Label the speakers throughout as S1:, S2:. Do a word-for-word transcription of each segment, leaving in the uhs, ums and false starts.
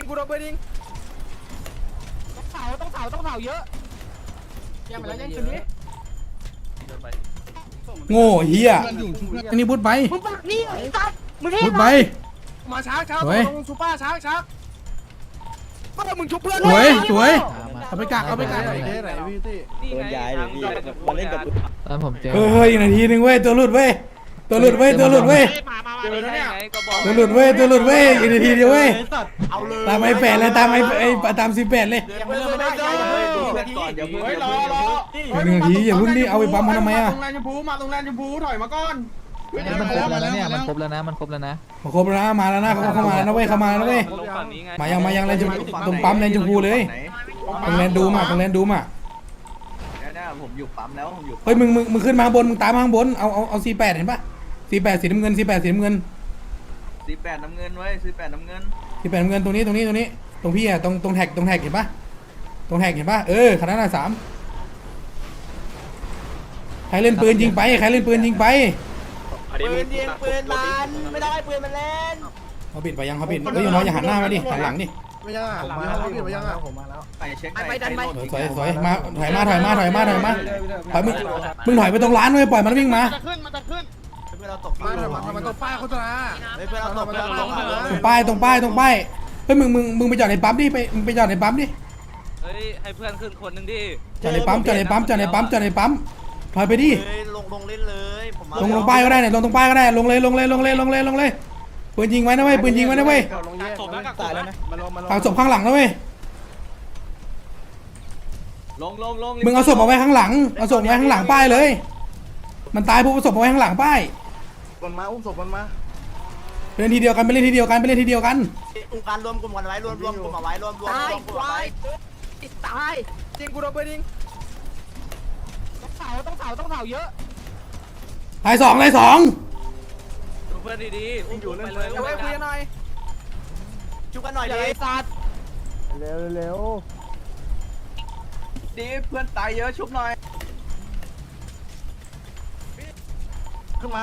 S1: กูโดนปืนยิงต้องเผาต้องเผาต้องเผาเยอะยังมาแล้วยังคืนนี้
S2: โง่เฮียอันนี้พูดไป
S1: มึงปากนี่ไอ้สัตว์มึงเท่
S2: พูดไป
S1: มาช้าช้า
S2: สวย
S1: ลงซูเปอร์ช้าช้าก็มึงชุบเพื่อน
S2: สวยสวยเอาไปกักเอาไปกัก
S3: ไหนไหนพี่ตี้
S4: โดนย้ายเลยพี่มาเล่นกับ
S5: ตอนผมเจอ
S2: เฮ้ยเฮ้ยอีกนาทีนึงเว้ยตัวหลุดเว้ยตัวหลุดเว้ยตัวหลุดเว้ย
S1: เจอแล้วเนี่ย
S2: ตัวหลุดเว้ยตัวหลุดเว้ยอีกนาทีเดียวเว้ย
S1: เอาเลย
S2: ตามไอ้แปดเลยตามไอ้ไอ้ตามสิบแปดเลย
S1: ยังไม่เริ่มไม่ได้ยังไม่เริ่ม
S4: ก่อนเดี๋ยวเพิ่ง
S1: เฮ้ยรอรอ
S2: หนึ่งนาทีอย่าเพิ่งดิเอาไปปั๊มมันทำไมอะ
S1: ตรงแลนด์ชมพูมาตรงแลนด์ชมพูถอยมาก่อน
S5: มันครบแล้วนะเนี่ยมันครบแล้วนะมันครบแล้วนะ
S2: มาครบแล้วนะมาแล้วนะเขาเข้ามาแล้วนะเว้ยเข้ามาแล้วเว้ยมายังมายังแลนด์ชมพูตรงปั๊มแลนด์ชมพูเลยตรงแลนด์ดูมาตรงแลนด์ดูมา
S4: เนี่ยผมอยู่ปั๊มแล้วผมอยู่
S2: เฮ้ยมึงมึงมึงขึ้นมาข้างบนมึงตามมาข้างบนเอาเอาเอาสี่แปดเห็นปะสี่แปดสีน้ำเงินสี่แปดสีน้ำเงิน
S4: ซื้อแปดน้ำเงินไว้ซื้อแปดน้ำเงิน
S2: สี่แปดน้ำเงินตรงนี้ตรงนี้ตรงนี้ตรงพี่อะตรงตรงแท็กตรงแท็กเห็นปะตรงแท็กเห็นปะเออขนาดนั้นสามใครเล่นปืนยิงไปใครเล่นปืนยิงไป
S1: ปืนยิงปืนมันไม่ได้ปืนมันเล่น
S2: เขาปิดไปยังเขาปิดเฮ้ยน้อยอย่าหันหน้ามาดิหันหลังดิ
S3: ไม่ยังอ่ะผมมาแล้วพี่ไม่ยังอ่ะผมมาแล้ว
S4: ไปเช็ค
S1: ไปดันไป
S2: สวยสวยมาถอยมาถอยมาถอยมาถอยมาถอยมึงมึงถอยไปตรงร้านเลยปล่อยมันวิ่งมา
S1: จะขึ้นมันจะขึ้น
S4: เพื่อนเราตก
S3: มาทำไมทำไมต้องป้ายโฆษณา
S4: เพื่อนเราตก
S3: ทำไม
S4: เพื่อน
S3: ต้อง
S4: เราตก
S3: ป้าย
S2: ตรงป้ายตรงป้ายตรงป้ายเฮ้ยมึงมึงมึงไปจอดในปั๊มดิไปมึงไปจอดในปั๊มดิ
S6: เฮ้ยให้เพื่อนขึ้นคนหนึ่งดิ
S2: จอดในปั๊มจอดในปั๊มจอดในปั๊มจอดในปั๊มถอยไปดิ
S4: ลงลงเล่นเลยผมมา
S2: ลงลงป้ายก็ได้เนี่ยลงตรงป้ายก็ได้ลงเลยลงเลยลงเลยลงเลยลงเลยปืนยิงไว้นะเว้ยปืนยิงไว้นะเว้ย
S3: ลงแยกตายแล้วนะมาลงมาลง
S2: เอาศพข้างหลังนะเว้ย
S4: ลงลงลง
S2: มึงเอาศพเอาไว้ข้างหลังเอาศพไว้ข้างหลังป้ายเลย มันตายปุ๊บเอาศพเอาไว้ข้างหลังป้าย
S3: มันมาอุ้มศพมันมา
S2: ไปเล่นทีเดียวกันไปเล่นทีเดียวกันไปเล่นทีเดียวกัน
S4: กลุ่มการรวมกลุ่มกันไว้รวมรวมกลุ่มเอาไว้รวมรวม
S1: ตาย
S4: รวมกลุ่ม
S1: ควา
S4: เอาไว้
S1: ยตายยิงกูโดนปืนยิงต้องเผาต้องเผาต้องเผาเยอะ
S2: ตายสองตายสอง
S6: ดูเพื่อนดีๆอุ้มอยู่ไปเลย
S1: เอาไว้คุยกันหน่อย
S4: ชุบกันหน่อย
S1: อย่า
S4: ดิ
S1: ไอ้สัตว์
S3: เร็วเร็ว
S4: ดิเพื่อนตายเยอะชุบหน่อย
S3: ขึ้นมา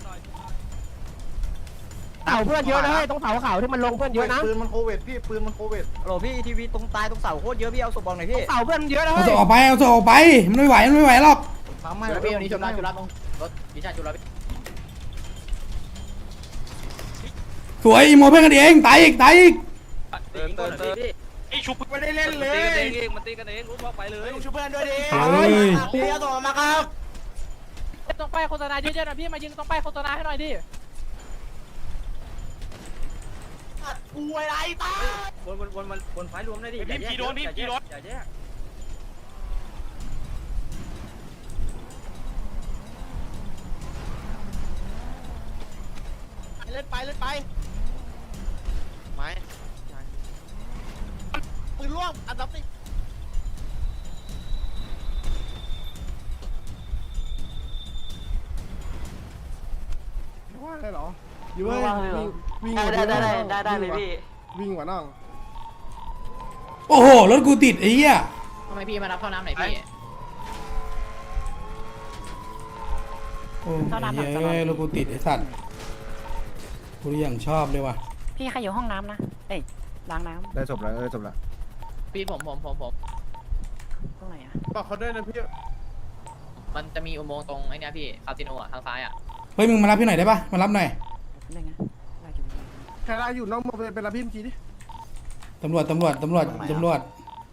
S1: เผาเพื่อนเยอะนะเฮ้ยต้องเผาเขาที่มันลงเพื่อนเยอะนะ
S3: ปืนมันโควิดพี่ปืนมันโควิด
S4: โหลพี่ทีวีตรงตายตรงเสาโคตรเยอะพี่เอาศพบอลหน่อยพี่
S1: เผาเพื่อนเยอะนะ
S2: เอา
S1: เฮ้
S2: ศ
S1: ย
S2: พออกไปเอาศพออกไปมันไม่ไหวมันไม่ไหวหรอก
S3: ทำให้
S4: พี่วันนี้ชุบรับชุบรับตรงรถดิฉันชุบรับ
S2: สวยอีโมเพื่อนกันเองตายอีกตายอีก
S6: เติมเติมเติม
S1: ไอ้ชุบไม่ได้เล่นเล
S6: ตีกัน
S1: ย
S6: เองมันตีกันเองรู้ว่าไปเลย
S4: ชุบเพื่อนด้วยดิ
S2: เฮ้ย
S4: พี่เอาศพมาครับ
S1: ต้องไปโฆษณาเยอะๆหน่อยพี่มายิงต้องไปโฆษณาให้หน่อยดิ
S4: กูอะไรตาย
S6: วนวนวนมันวนไฟรวมได้ดิพี่โดนพี่พี่โดนอย่าแยก
S4: เล่นไปเล่นไปไม้ปืนล่วงอันดับสิ
S3: ว่างได้เหรออยู่เว้ยวิ่ง
S4: ได้ได้ได้ได้ได้เลยพี่
S3: วิ่งกว่าน้อง
S2: โอ้โหรถกูติดไอ้เหี้ย
S1: ทำไมพี่มารับเข้าน้ำไหนพี่
S2: โอ้ยเฮ้ยรถกูติดไอ้สัตว์กูยังชอบเลยว่ะ
S7: พี่ใครอยู่ห้องน้ำนะ เอ้ยล้างน้
S3: ได้จบแล้วได้จบแล้ว
S5: พี่ผมผมผมผม
S7: ำตรงไหนอะ
S3: บอกเขาด้วยนะพี่
S5: มันจะมีอุโมงค์ตรงไอ้นี่พี่คาสิโนอ่ะทางซ้ายอ่ะ
S2: เฮ้ยมึงมารับพี่หน่อยได้ปะมารับหน่อย
S7: เรื่องนะได้อยู่
S3: ใครได้อยู่น้องมาเป็นรับพี่เมื่อกี้ดิ
S2: ตำรวจตำรวจตำรวจตำรวจ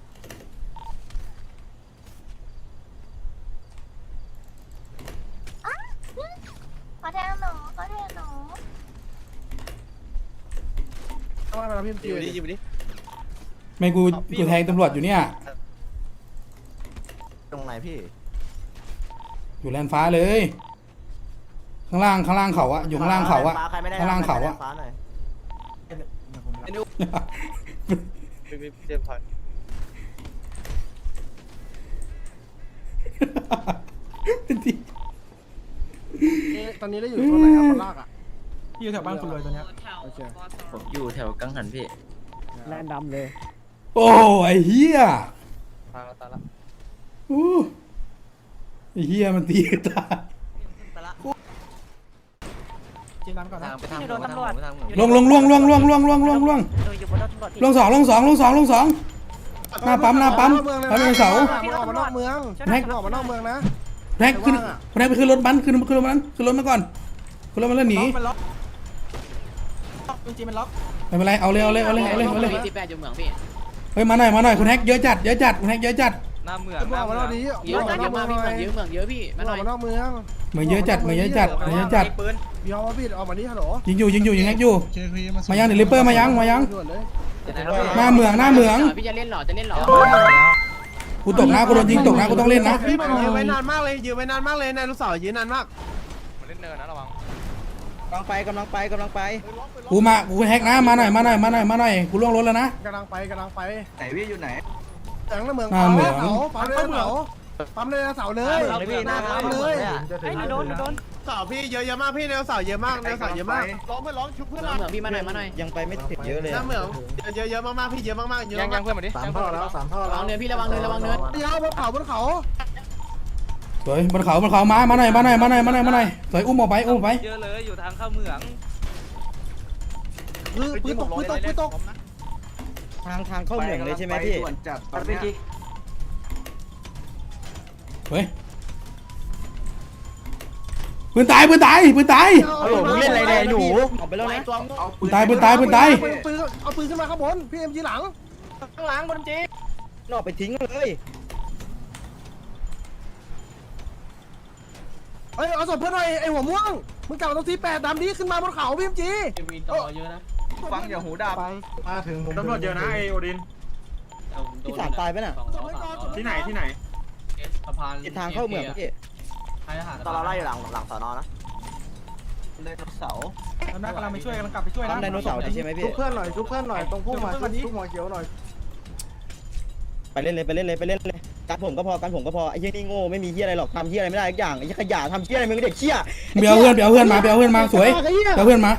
S8: ขอแทงหนูขอแทงหนู
S3: ต้องมารับพี่เมื่อกี้ดิ
S2: ไม่กูกูแทงตำรวจอยู่เนี่ย
S4: ตรงไหนพี่
S2: อยู่แลนฟ้าเลย ข้างล่างข้างล่างเขาอะอยู่ข้างล่างเขาอะข้างล่างเขาอะ
S4: เตรียมถอย
S3: ตอนนี้ได้อยู่ตรงไหนครับคนลากอ่ะ
S1: อยู่แถวบ้านคุณรวยตัวเนี้ย
S3: โอเค
S5: ผมอยู่แถวกังหันพี่
S3: แลนดำเลย
S2: โอ้ไอ้เหี้ย
S5: ตายแล้วตายแล้ว
S2: อู้ไอ้เหี้ยมันตีกันตาย
S1: จีรันก่อนนะ
S7: พี่โดนตำรวจ
S2: ลงลงล่วงล่วงล่วงล่วงล่วงล่วงล่วง
S7: เอออยู่บนรถตำรวจพี่
S2: ล่วงสองล่วงสองล่วงสองล่วงสองหน้าปั๊มหน้าปั๊มปั๊มเป็นเสา
S3: มึงออกมานอกเมืองมึงออกมานอกเมืองนะ
S2: แท็กขึ้นแท็กไปขึ้นรถมันขึ้นขึ้นรถมันขึ้นรถมาก่อนขึ้นรถมันแล้วหนี
S1: มันล็อกจริงๆมันล็อก
S2: ไม่เป็นไรเอาเลยเอาเลยเอาเลยเอาเลยเอาเลย
S5: มีสิบแปดอยู่เหมืองพี่
S2: เฮ้ยมาหน่อยมาหน่อยคุณแท็กเยอะจัดเยอะจัดคุณแท็กเยอะจัด
S6: หน้าเมือง
S3: มึงออกมานอกนี้
S5: เยอะมากเยอะมากพี่เหมืองเยอะเหมืองเยอะพี่
S3: มึ
S5: มาง ห
S3: อ
S5: น่
S3: อ
S5: อก ย
S3: มานอกเมือง
S2: เหมือนเยอะจัดเหมือนเยอะจัดเหมือนเยอะจัด
S6: ปืน
S3: พี่เอามาพี่ออกมานี่ฮัลโหล
S2: ยิงอยู่ยิงอยู่ยิงแท็กอยู่มายังเดี๋ยวริปเปอร์มายังมายัง
S3: ด่วนเลย
S2: หน้าเหมืองหน้าเหมือง
S5: พี่จะเล่นหรอจะเล่นหรอ
S2: กูตกนะกูโดนยิงตกนะกูต้องเล่นนะ
S3: พี่มันยืนไว้นานมากเลยยืนไว้นานมากเลยนายลูกสาวยืนนานมาก
S6: มาเล่นเนินนะระวัง
S4: กำลังไปกำลังไปกำลังไป
S2: กูมากูแท็กนะมาหน่อยมาหน่อยมาหน่อยมาหน่อยกูล่วงรถแล้วนะ
S3: กำลังไปกำลังไป
S4: ไหนพี่อยู่ไหน
S3: แสงน้ำเมือง
S2: หน้าเหมือง
S3: ปั๊มเลยเสาปั๊มเลยเสาเลยปั๊มเลย
S7: เฮ้ยโดนโดน
S3: เสาพี่เยอะเยอะมากพี่ในเสาเยอะมากในเสาเยอะมากร้องเพื่อนร้องชุบเพื่อน
S5: เหมืองพี่มาหน่อยมาหน่อย
S4: ยังไปไม่ถึงเยอะเลย
S3: น้ำเหมืองเยอะเยอะมากๆพี่เยอะมากๆเยอะ
S6: ยังยังเพื่อนมาดิ
S3: สามท่อแล้วสามท่อ
S5: ระ
S3: แล้ว
S5: วังเนินพี่ระวังเนินระวังเนิน
S3: เดี๋ยวบนเขาบนเขา
S2: สวยบนเขาบนเขามามาหน่อยมาหน่อยมาหน่อยมาหน่อยมาหน่อยสวยอุ้มออกไปอุ้มออกไป
S6: เยอะเลยอยู่ทางเข้าเมือง
S3: ปืนปืนตกปืนตกปืนตก
S4: ทางทางเข้าเหมืองเลยใช่ไหมพี่
S2: เฮ้ยปืนตายปืนตายปืนตาย
S3: ฮัลโหลมึงเล่นอะไรเนี่ยหนู
S4: ออกไปแล้วนะ
S2: ปืนตายปืนตายปืนตาย
S3: ปืนเอาปืนขึ้นมาข้างบนพี่เอ็มจีหลัง
S1: ข้างหลังบนจี
S4: นอกไปทิ้งเลย
S3: เอ้ยเอาศพเพื่อนหน่อยไอ้หัวม่วงมึงกลับมาตรงที่แปดดำนี้ขึ้นมาบนเขาพี่เอ็มจี
S5: มีต่อเยอะนะ
S4: ฟังอย่าหูดับ
S3: มาถึง
S9: ตำรวจเยอะนะไอโอดิน
S4: พี่สามตายไปน่ะ
S9: ที่ไหนที่ไหน
S5: สะพาน
S4: ติดทางเข้าเหมืองพี่
S5: ตอนเราไล่อยู่หลังหลังสอนอนะ
S4: ไดโนเสาร์
S1: แล้วน่ากำลังไปช่วยกำลังกลับไปช่วยนะ
S4: ทำไดโนเสาร์ใช่ไหมพี่
S3: ชุบเพื่อนหน่อยชุบเพื่อนหน่อยตรงพุ่มมาชุบหัวเขียวหน่อย
S4: ไปเล่นเลยไปเล่นเลยไปเล่นเลยการผมก็พอการผมก็พอไอ้เหี้ยนี่โง่ไม่มีเหี้ยอะไรหรอกทำเหี้ยอะไรไม่ได้ทุกอย่างไอ้เหี้ยขยะทำเหี้ยอะไรมึงเด็กเหี้ย
S2: เบียวเพื่อนเบียวเพื่อนมาเบียวเพื่อนมาสวยเบียวเพื่อนมา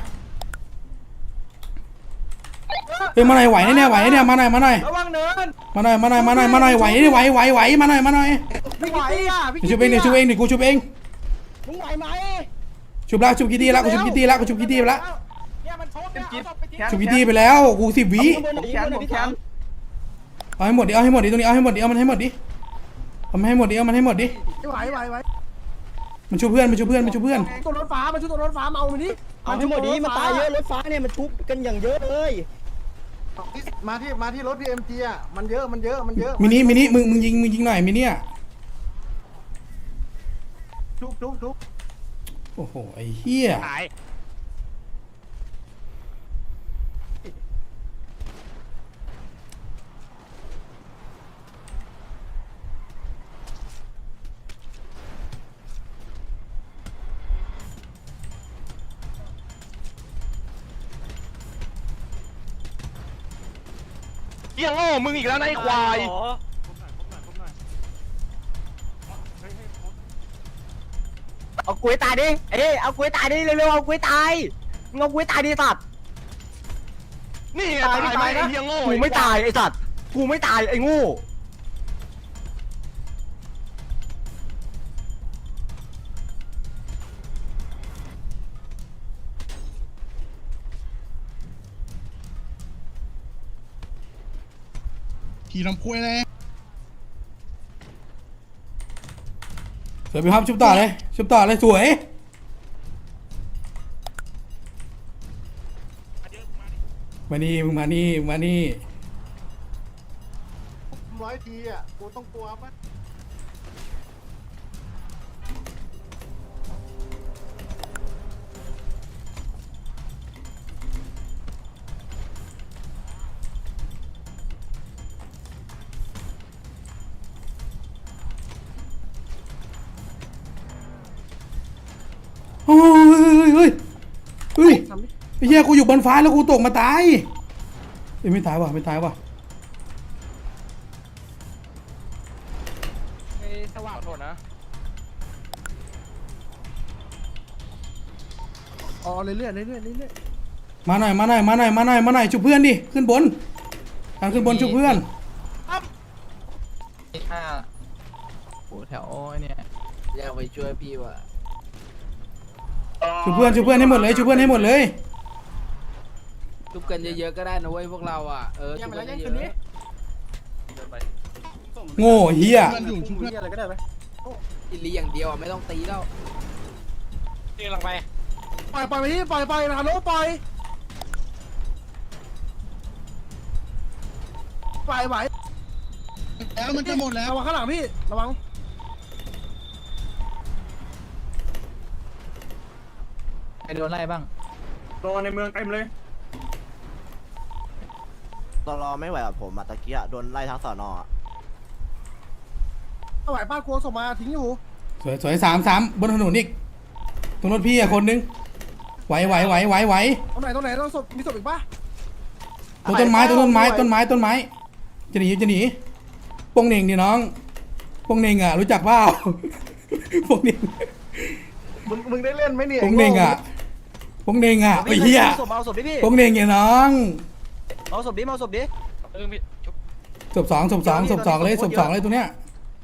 S2: เฮ้ยมาหน่อยไหวแน่ไหวเนี่ยมาหน่อยมาหน่อย
S1: ระวังเนิน
S2: มาหน่อยมาหน่อยมาหน่อยมาหน่อยไหวไหวไหวไหวมาหน่อยมาหน่อย
S1: พี่ไหวอ่ะพี่
S2: ชุบเองดิชุบเองดิกูชุบเอง
S3: มึงไหวไหม
S2: ชุบแล้วชุบกี่ทีแล้วกูชุบกี่ทีแล้วกูชุบกี่ทีไปแล้ว
S1: เนี่ยมันชกเนี่ยเอาศพไปทิ้ง
S2: ชุบกี่ทีไปแล้วกูสิบวิ
S4: แขนผมแขน
S2: เอาให้หมดดิเอาให้หมดดิตรงนี้เอาให้หมดดิเอามันให้หมดดิเอามันให้หมดดิเอามันให้หมดดิ
S3: ไหวไหวไหว
S2: มันชุบเพื่อนมันชุบเพื่อนมันชุบเพื่อน
S3: ตัวรถฟ้ามันชุบตัวรถฟ้ามาเอามันดิ
S4: เอาให้หมดดีมันตายเยอะรถฟ้าเนี่ยมันทุบกันอย่างเยอะเลย
S3: มาที่มาที่รถพีเอ็มจีอ่ะมันเยอะมันเยอะมันเยอะ
S2: มินิมินิมึงมึงยิงมึงยิงหน่อยมินิอ่ะ
S3: ชุบชุบชุบ
S2: โอ้โหไอ้เหี้ย
S6: หาย เหี้ยโง่มึงอีกแล้วนะไอ้ควาย
S4: เอากุ้ยตายดิเอ้เอากุ้ยตายดิเร็วๆเอากุ้ยตายมึงเอากุ้ยตายดิสัตว์
S6: นี่ไงตายไหมไอ้เหี้ยโง่
S4: กูไม่ตายไอ้สัตว์กูไม่ตายไอ้งู
S9: ขี่ลำคุยเลย
S2: สวยไปครับชุบต่อเลยชุบต่อเลยสวย มานี่มึงมานี่มึงมานี่
S3: ร้อยทีอ่ะกูต้องกลัวปะ
S2: โอ้ยเฮ้ยเฮ้ยไอ้เหี้ยกูอยู่บนฟ้าแล้วกูตกมาตายเอ้ยไม่ตายว่ะไม่ตายว่ะ
S1: ไอ้สว่าง
S6: ขอโทษนะ
S3: อ๋อเรื่อยเรื่อยเรื่อยเรื่อย
S2: มาหน่อยมาหน่อยมาหน่อยมาหน่อยมาหน่อยชุบเพื่อนดิขึ้นบนทางขึ้นบนชุบเพื่อน
S5: ห้าโอ้แถวไอ้เนี่ยอยากไปช่วยพี่ว่ะ
S2: ช่วยเพื่อนช่วยเพื่อนให้หมดเลยช่วยเพื่อนให้หมดเลย
S1: ชุบกันเยอะๆก็ได้นะเว้ยพวกเราอ่ะเออชุบกันเยอะ
S2: โง่เฮีย
S9: เพื่อนอยู่ชุบเพื่อน
S3: อะไรก็ได้ไหม
S1: ๆอิลีอย่างเดียวอ่ะไม่ต้องตีแล้ว
S6: ตีหลังไป
S3: ปล่อยปล่อยไปที่ปล่อยปล่อยนะโน้ปล่อยปล่อยไหว
S9: แล้วมันจะหมดแล้ว
S3: ระวังข้างหลังพี่ระวัง
S1: ใครโดนไล่บ้าง
S9: โดนในเมืองเต็มเลย
S10: ตลอไม่ไหวกับผมอะตะกี้อะโดนไล่ทั้งสอนออะ
S3: ไหวป้ากลัวส่งมาทิ้งอยู่
S2: สวยสวยสามสามบนถนนอีกตรงรถพี่อะคนนึงไหวไหวไหวไหวไหว
S3: ตรงไหนตรงไหนต้องศพมีศพอีกปะ
S2: ตรงต้นไม้ตรงต้นไม้ต้นไม้ต้นไม้จะหนีจะหนีโป้งเหน่งดิน้องโป้งเหน่งอ่ะรู้จักเปล่า โป้งเหน่ง
S3: มึงมึงได้เล่นไหมเนี่ย
S2: โป้งเหน่งอ่ะโป้งเหน่งอ่ะไอ้เหี้ย
S10: ศพเอาศพดิพี่
S2: โป้งเหน่งเนี่ยน้อง
S10: เอาศพดิเอาศพดิ
S5: เออพี่ชุบ
S2: ศพสองศพสองศพสองเลยศพสองเลยตัวเนี้ย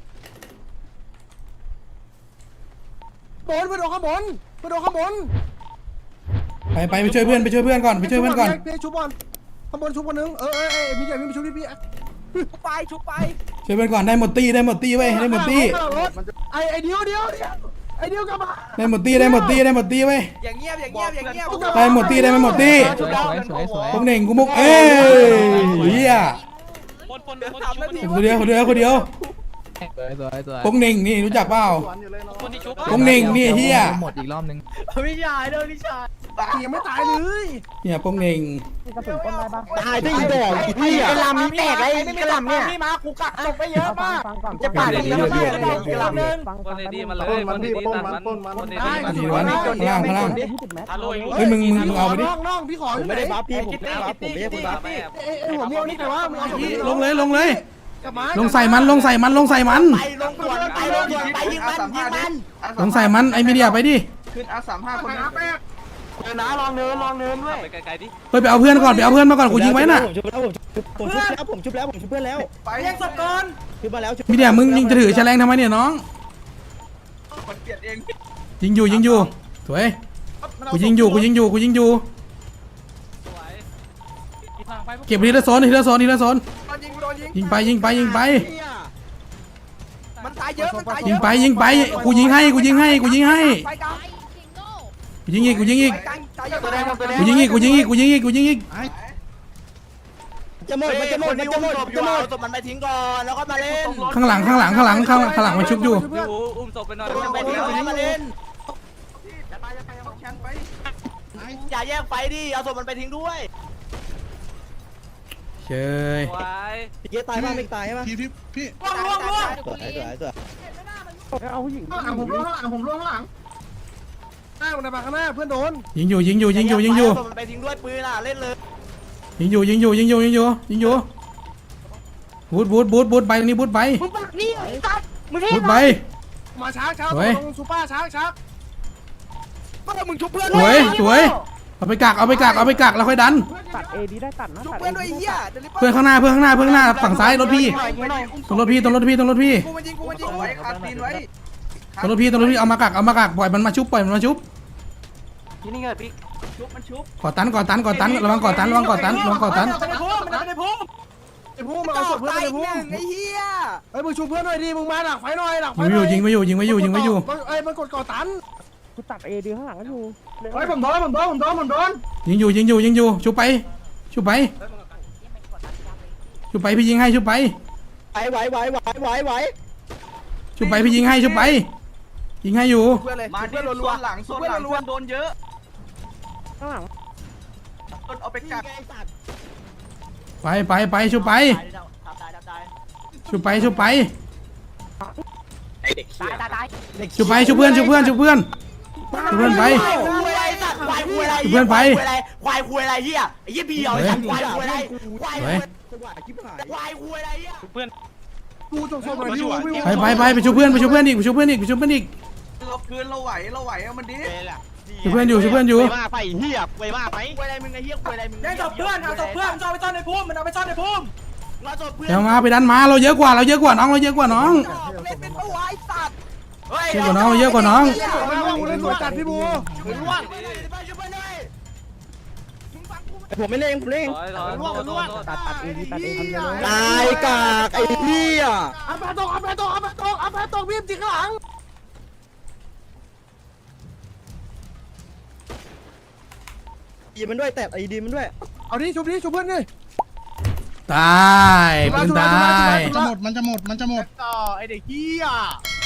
S3: บนไปโดนข้างบนไปโดนข้างบน
S2: ไปไปไปช่วยเพื่อนไปช่วยเพื่อนก่อนไปช่วยเพื่อนก่อน
S3: พี่ชุบบอลข้างบนชุบคนนึงเออเออเออมีใหญ่มีชุบพี่พี่
S10: ชุบไปชุบไป
S2: ช่วยเพื่อนก่อนได้หมดตี้ได้หมดตี้เว้ยได้หมดตี้
S3: ไอไอเดียวเดียวเดียวไอเดียวกลับมา
S2: ได้หมดตี้ได้หมดตี้ได้หมดตี้เว้ย
S10: อย่างเงียบอย่างเงียบอย่างเงียบ
S2: ได้หมดตี้ได้ไม่หมดตี้
S1: สวยสวยสวย
S2: โป้งเหน่งกูมุกเอ้ยเหี้ย
S5: คนคนคน
S10: ทำแล้วดิ
S2: คนเดียวคนเดียวคนเดียว
S1: สวยสวยสวย
S2: โป้งเหน่งนี่รู้จักเปล่า
S5: คนที่ชุบ
S2: โป้งเหน่งนี่เหี้ย
S1: หมดอีกรอบนึง
S10: พี่ชายเด้อพี่ชาย
S3: ยังไม่ตายเลย
S2: เนี่ยโป้งเหน่ง
S4: ตายได้อีดอกอีพี่อ่ะ
S10: กระลำนี่แตกไอ้กระลำเนี่ย
S3: พี่มากูกักศพไปเยอะมาก
S10: จะปาดอีกแล้วพี่กระลำนึง
S6: คนดีๆมาเลยคนดีๆตัดมันคนดีๆ
S2: อันนี้วันข้างล่างข้างล่าง
S6: ฮัลโหล
S2: เฮ้ยมึงมึงมึงเอาไปดิ
S3: น้องน้องพี่ขอ
S4: ผมไม่ได้บัฟพี่ผมไม่ได้บัฟผมไม่ได้คนบัฟ
S3: ไอหัวม่วงนี่แต่ว่ามึงเอาศพ
S2: ลงเลยลงเลย
S3: กลับมา
S2: ลงใส่มันลงใส่มันลงใส่มัน
S10: ไปลงสวนไปลงสวนไปยิงมันยิงมัน
S2: ลงใส่มันไอ้มีเดียไปดิ
S9: ขึ้นอาสามห้าคนนะ
S10: เดินนะลองเดินลองเดินด้วย
S6: ไปไกลๆดิ
S2: เฮ้ยไปเอาเพื่อนก่อนไปเอาเพื่อนมาก่อนกูยิงไว้น่ะ
S4: ผมชุบแล้วผมชุบแล้วผมชุบแล้วผมชุบเพื่อนแล้ว
S3: ไปแย่งศพก่อน
S4: ชุบมาแล้วชุบ
S2: มีเดียมึงยิงจะถือแฉลงทำไมเนี่ยน้องยิงอยู่ยิงอยู่สวยกูยิงอยู่กูยิงอยู่กูยิงอยู่เก็บทีละโซนทีละโซนทีละโซน
S3: โดนยิงโดนยิง
S2: ยิงไปยิงไปยิงไป
S3: มันตายเยอะมันตายเย
S2: ยิง
S3: อะ
S2: ไปยิงไปกูยิงให้กูยิงให้กูยิงให้
S3: ไปกลาง
S2: กูยิงอีกกูยิงอีก
S3: กลางตายเยอะตัวแดงตัวแดง
S2: กูยิงอีกกูยิงอีกกูยิงอีกกูยิงอีก
S4: จะหมดมันจะหมดมันจะหมดจะหมด
S10: ศพมันไปทิ้งก่อนแล้วก็มาเล่น
S2: ข้างหลังข้างหลังข้างหลังข้างข้างหลังมันชุบอยู่
S6: อุ้มศพไปหน่อย
S10: ไปทิ้งแล้วมาเล่นอย่าแยกไฟดิเอาศพมันไปทิ้งด้วย
S2: เชย
S6: ไว้
S4: พี่เกตายป่ะไม่ตายใช่ป่ะ
S9: พี่พี่พี่
S3: ล่วงล่วงล่วง
S4: สวยสวยสวย
S3: ข้างหลังผมล่วงข้างหลังผมล่วงข้างหลังหน้ามันมาข้างหน้าเพื่อนโดน
S2: ยิงอยู่ยิงอยู่ยิงอยู่ยิงอยู่
S10: เอาศพมันไปทิ้งด้วยปืนอ่ะเล่นเลย
S2: ยิงอยู่ยิงอยู่ยิงอยู่ยิงอยู่ยิงอยู่บูทบูทบูทบูทไปตรงนี้บูทไป
S8: มึงปากนี่ไอ้สัตว์มึงเท่
S2: บูทไป
S3: มาช้าช้า
S2: สวย
S3: ลงซูเปอร์ช้าช้าเมื่อมึงชุบเพื่อน
S2: สวยสวยเอาไปกักเอาไปกักเอาไปกักแล้วค่อยดัน
S7: ตัดเอดีได้ตัดนะ
S3: ชุบ
S7: ตัด
S3: เพื่อนด้วยไอ้เหี้ยเดี๋ยวรีบ
S2: เพื่อนข้างหน้าเพื่อนข้างหน้าเพื่อนข้างหน้าฝั่งซ้ายรถพี่ตรงรถพี่ตรงรถพี่ตรงรถพี่
S3: กูมายิงกูมายิงไว้ขาดตีนไว้
S2: ตรงรถพี่ตรงรถพี่เอามากักเอามากักปล่อยมันมาชุบปล่อยมันมาชุบ
S7: ที่นี่ไงพี่
S3: ชุบมันชุบ
S2: ก่อตันก่อตันก่อตันระวังก่อตันระวังก่อตันระวังก่อตัน
S3: มันไม่พุ่มมันไม่ได้พุ่มไอ้พุ่มมันเอาศพเพื่อนไปพุ่มไอ้เหี้ยไอ้มึงชุบเพื่อนหน่อยดิมึงมาดักไฟหน่อยดักไฟ
S2: ยิง
S3: ห
S2: ไว้อ
S3: น่
S2: ยู่
S3: อย
S2: ยิงไว้อยู่ยิงไว้อยู่ยิงไว้อยู่
S3: ไอ้มันกดก่อตัน
S7: กูตัดเอดีข้างหลังอยู่
S3: เฮ้ยผมโดนผมโดนผมโดนผมโดน
S2: ยิงอยู่ยิงอยู่ยิงอยู่ชุบไปชุบไปชุบไปพี่ยิงให้ชุบไป
S4: ไหวไหวไหวไหวไหวไหว
S2: ชุบไปพี่ยิงให้ชุบไปยิงให้อยู่
S3: เพื่อนเลย
S6: มา
S3: เพื่
S6: ที่
S3: อนรั
S6: ส่
S3: ว
S6: วนหลังส่วนหลังเพื่อนโดนเยอะ
S7: ข้างหลัง
S6: เอาไปกัก
S2: ไปไปไปชุบไป
S10: ตายตายตาย
S2: ชุบไปชุบไป
S7: ตายตายตาย
S2: ชุบไปชุบเพื่อนชุบเพื่อนชุบเพื่อนชุบเพื่อนไป
S10: ควายคุยอะไรสัตว์ควายคุยอะไร
S2: เพื่อนไป
S10: ควายคุยอะไรเฮียไอ้เหี้ยพี่เอาไอ้สัตว์ควายคุยอะไรควาย
S2: ส
S10: คุ
S2: วย ย
S10: ควายคุยอะไรเฮีย
S3: กูจงศพหน่อยดิว
S2: ไปไปไปไปชุบเพื่อนไปชุบเพื่อนอีกไปชุบเพื่อนอีกไปชุบเพื่อนอีก
S6: เราคืนเราไหวเราไหวเอามันดิ
S2: ชุบเพื่อนอยู่ชุบเพื่อนอยู่
S10: มาไปเฮียไปมาไปคุยอะไรมึงไอ้เฮียคุยอะไรมึง
S3: แย่งศพเพื่อนเอาศพเพื่อนมันเอาไปซ่อนในพุ่มมันเอาไปซ่อนในพุ่ม
S10: มาศพเพื่อน
S2: เดี๋ยวมาไปดันมาเราเยอะกว่าเราเยอะกว่าน้องเราเยอะกว่าน้อง
S3: เล่นเป็นตัวไอ้สัตว์
S10: เ
S2: เยอะกว่าน้องเยอะกว่าน้อง
S3: มาบูเล่นสวยจัดพี่บู
S4: ผมไม่เล่นผมเล่น
S7: ตัดตัดเอดีตัดเอดีเลย
S4: ตายกากไอ้เหี้ย
S3: อัปปะตกอัปปะตกอัปปะตกอัปปะตกพี่จิกข้างหลัง
S4: ดีมันด้วยแตะไอ้ดีมันด้วย
S3: เอาดิชุบดิชุบเพื่อนดิ
S2: ตายปืนตาย
S9: จะหมดมันจะหมดมันจะหมด
S3: ต่อไอเด็กเหี้ย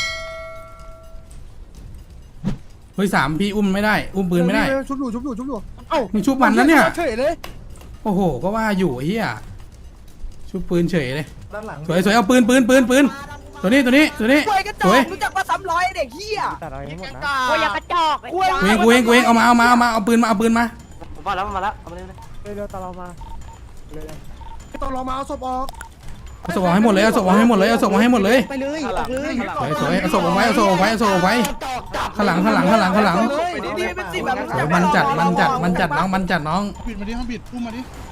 S2: เฮ้ยสามพี่อุ้มไม่ได้ อุ้มปืนไม่ได้
S3: ชุบอยู่ชุบอยู่ชุบอยู่เอ้า
S2: มึงชุบมันแล้วเนี่ย
S3: เฉยเลย
S2: โอ้โหก็ว่าอยู่ไอ้เหี้ยชุบปืนเฉยเลย
S3: ด้านหลัง
S2: สวยสวยเอาปืนปืนปืนปืนตัวนี้ตัวนี้ตัวนี้สวย
S8: รู้จักว่าซ้ำร้อยเด็กเฮีย
S7: ตัดอะไรให้หมดนะ
S8: โอ้ยอย่ากระจอกไอ้
S2: กูเองกูเองกูเองเอามาเอามาเอามาเอาปืนมาเอาปืนมา
S10: ผมมาแล้วมาแล้วเอามาเลย
S7: เร็วๆตามเรามาเลย
S3: ต้องรอมาเอาศพออก
S2: เอาศพออกให้หมดเลยเอาศพออกให้หมดเลยเอาศพออกให้หมดเลย
S4: ไปเลยออกเลย
S2: สวยสวยเอาศพออกไว้เอาศพออกไว้เอาศพออกไว้ข้างหลังข้างหลังข้างหลังข้างหลัง
S8: ดีๆเป็นสิบแบบ
S2: สวยมันจัดมันจัดมันจัดน้องมันจัดน้อง
S9: บิดมาดิห้องบิดอุ้มมาดิ